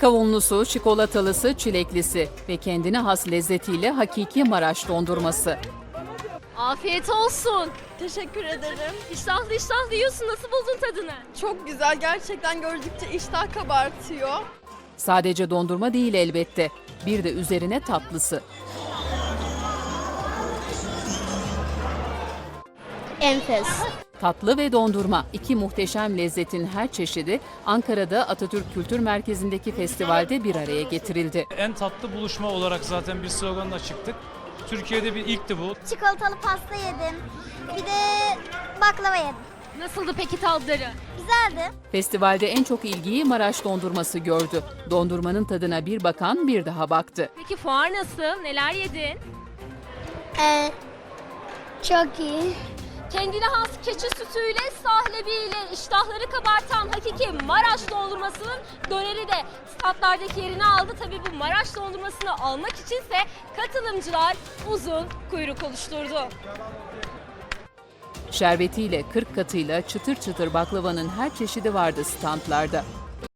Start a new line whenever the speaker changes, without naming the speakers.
Kavunlusu, çikolatalısı, çileklisi ve kendine has lezzetiyle hakiki Maraş dondurması.
Afiyet olsun.
Teşekkür ederim.
İştahlı iştahlı yiyorsun. Nasıl buldun tadını?
Çok güzel. Gerçekten gördükçe iştah kabartıyor.
Sadece dondurma değil elbette. Bir de üzerine tatlısı.
Enfes.
Tatlı ve dondurma, iki muhteşem lezzetin her çeşidi Ankara'da Atatürk Kültür Merkezi'ndeki festivalde bir araya getirildi.
En tatlı buluşma olarak zaten bir sloganla çıktık. Türkiye'de bir ilkti bu.
Çikolatalı pasta yedim. Bir de baklava yedim.
Nasıldı peki tatları?
Güzeldi.
Festivalde en çok ilgiyi Maraş dondurması gördü. Dondurmanın tadına bir bakan bir daha baktı.
Peki fuar nasıl? Neler yedin?
Çok iyi.
Kendine has keçi sütüyle, sahlebiyle iştahları kabartan hakiki Maraş dondurmasının döneri de statlardaki yerini aldı. Tabii bu Maraş dondurmasını almak içinse katılımcılar uzun kuyruk oluşturdu.
Şerbetiyle, 40 katıyla çıtır çıtır baklavanın her çeşidi vardı standlarda.